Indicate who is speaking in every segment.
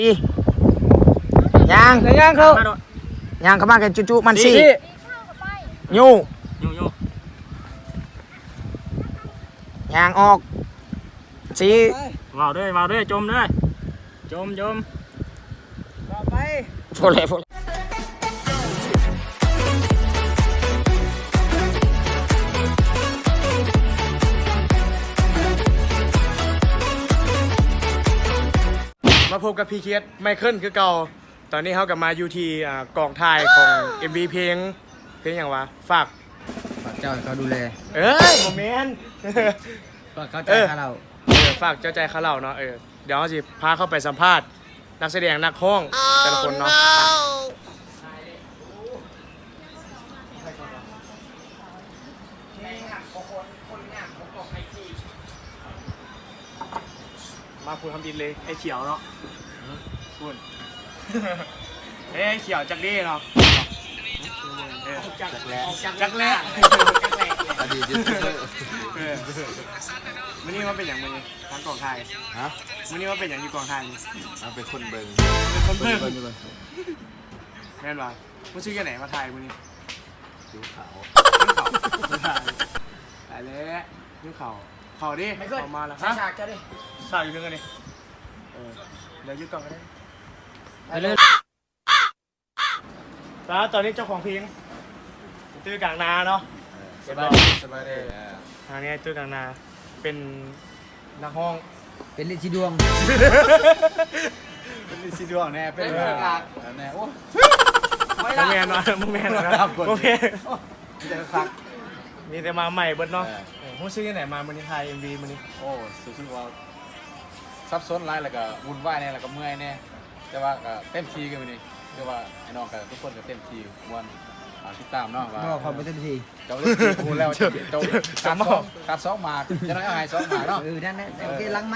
Speaker 1: อีย่าง
Speaker 2: ย่างเขา
Speaker 1: ย่างเข้ามากันจุมันสิยูย่างออกสิ
Speaker 2: vào đây chôm đây chôm vào bay
Speaker 1: โฟเล่มาพบกับพี่เคียดไมเคิลคือเก่าตอนนี้เขากลับมาอยู่ที่กองถ่ายของ MV เพลงอย่างวะฝาก
Speaker 3: เจ้าเขาดูแล
Speaker 1: โมเมนต์
Speaker 3: ฝากเขาใจข้าเรา
Speaker 1: ฝากเจ้าใจข้าเราเนาะเดี๋ยวเขาสิพาเข้าไปสัมภาษณ์นักแสดงนักห้องแต่ละคนเนาะมาพูดคำดินเลยไอ้เขียวเนาะพูดไอ้เขียวจักรีเนาะจักแรก
Speaker 3: อดีตยูทูบเบอร์
Speaker 1: วันนี้มันเป็นอย่างนี้ทางกองไทย
Speaker 3: ฮะ
Speaker 1: วันนี้มันเป็นอย่างอยู่กองไทย
Speaker 3: มันเป็นคนเบิ่ง
Speaker 1: แม่นว่ะมันชื่อกันไหนมาไทยวันนี้
Speaker 3: ผิวขาว
Speaker 1: ตายแล้วยิ้มเข่าดิออกมาแล้วฮะฉากดิฉากอยู่นึงกันดิเดี๋ยวยึดก่อนกันได้เลยตอนนี้เจ้าของเพลงตื้อกลางนาเนาะ
Speaker 3: สบายดี
Speaker 1: ทางนี้ตื้อกลางนาเป็นนักห้อง
Speaker 3: เป็นลิซิดวง
Speaker 1: เป็นลิซิดวงแน่เป็น
Speaker 3: แน่โอ้
Speaker 1: มึงแมนนะมึงแมน
Speaker 3: จะคัก
Speaker 1: มีแต่มาใหม่เบิดเนาะพูดชื่อที่ไหนมามันนี่ไทย MV มันนี่
Speaker 3: โอ้สุดว่าซับซ้อนหลายแล้วก็วุ่นวายแน่แล้วก็เมื่อยแน่แต่ว่าก็เต็มที่กันมื้อนี้คือว่าไอ้น้องกับทุกคนก็เต็มที่ม่วนติดตามเนาะว่า
Speaker 2: ความเป็นเต็มที่
Speaker 3: เจ้าเล่นทีกูแล้วเจ้าการซ้อมมาจะน้อยเอาให้ซ้อมมาเนาะ
Speaker 2: นั่นแหละโอเคลังไหม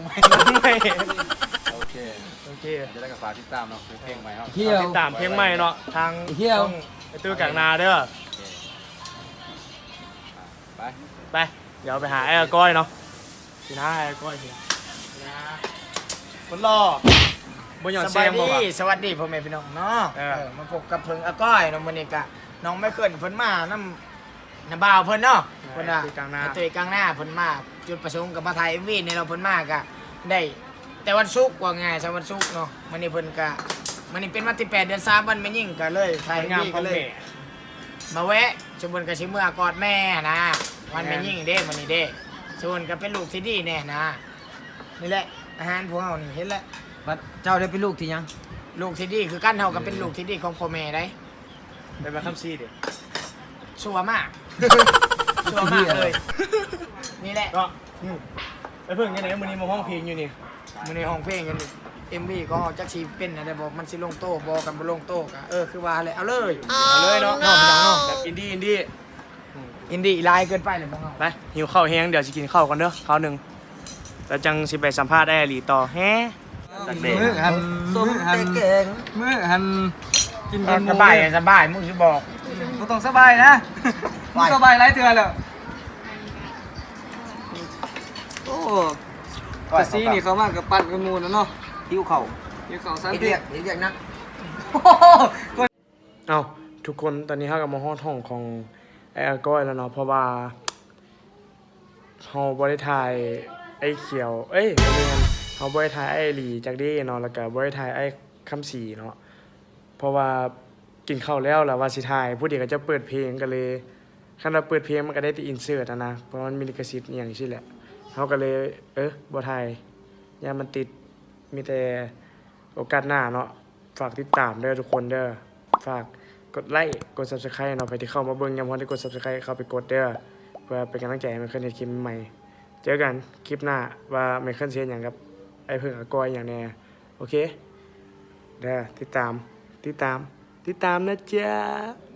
Speaker 3: โอเคจะได้กับฝากติดตามเนาะเพลงใหม่เนาะ
Speaker 1: ติดตามเพลงใหม่เนาะทางต้องไอ้ตื้อกลางนาเด้อไปเดี๋ยวไปหาไอ้ก้อยเนาะสินะไอ้ก้อยสิคนรอบนหย่อนเสียงบอกว่าสวัสดีพ่อแม่พี่น้องเนาะมาพบกับเพิ่งอาก้อยน้องมันนี่กะน้องไม่เคยเพิ่นมาน้ำบ่าวเพิ่นเนาะเพิ่นอะตัวกลางหน้าเพิ่นมาจุดประสงค์กับมาถ่าย MV ในเราเพิ่นมากะได้แต่วันศุกร์ว่าไงสวันศุกร์เนาะมันนี่เพิ่นกะมันนี่เป็นวันที่8 เดือน 3วันแม่ยิ่งกะเลยถ่าย MV กันเลยมาแวะชมบุญกับชิเมื่อกอดแม่นะวันแม่ยิ่งเด้มันนี่เด้ชวนกับเป็นลูกที่ดีแน่นะนี่แหละอาหารพวกเรานี่เห็นแล้ว
Speaker 2: เจ้าได้เป็นลูกที่ยัง
Speaker 1: ลูกที่ดีคือกันเฮากับเป็นลูกที่ดีของพ่อแม่ได้เป็นแบบคำซีดิชัวมากชัวมากเลยนี่แหละก็ไอ้เพิ่งยังไงมื้อนี้มาห้องเพลงอยู่นี่มื้อนี้ห้องเพลงกันนี่ MV ก็จักสิเป็นอะไรบอกมันสิลงโต๊ะบ่กันบ่ลงโต๊ะก็คือว่าเลยเอาเลยเนาะแบบอินดี้ลายเกินไปเลยบ่เฮาไปหิวข้าวแห้งเดี๋ยวสิกินข้าวกันเด้อข้าวนึงแล้วจังสิไปสัมภาษณ์ได้หลีต่อแฮะ
Speaker 2: มือหันส้มเก่งมือหันกิน
Speaker 1: สบายมึงสิบอก
Speaker 2: กูต้องสบายนะมึงสบายไรเถื่อนเลยโอ้กระซีนี่เขามากกับปั่นกับมูนะเนาะ
Speaker 1: หิวเข่า
Speaker 2: สันติเรียกนัก
Speaker 1: เอาทุกคนตอนนี้เขากับมาห้องของไอ้ก้อยแล้วเนาะเพราะว่าเขาบริทายไอ้เขียวเเขาบริทายไอ้หลีจากดีเนาะแล้วก็บริทายไอ้คำสีเนาะเพราะว่ากินข้าวแล้วว่าสิทายผู้เด็กก็จะเปิดเพลงกันเลยคันเราเปิดเพลงมันก็ได้แต่อินเสิร์ตนะเพราะมันมีลิขสิทธิ์อย่างนี้แหละเขาก็เลยบ่ทายอย่ามันติดมีแต่โอกาสหน้าเนาะฝากติดตามเด้อทุกคนเด้อฝากกดไลค์กด Subscribe เนาะไปที่เข้ามาเบิ่งยามพอได้กด Subscribe เข้าไปกดเด้อเพื่อเป็นกำลังใจให้มันขึ้นในคลิปใหม่เจอกันคลิปหน้าว่าไม่ขึ้นเสียอย่างกับไอ้เพิ่งอากอยอย่างแน่โอเคเด้อติดตามนะจ๊ะ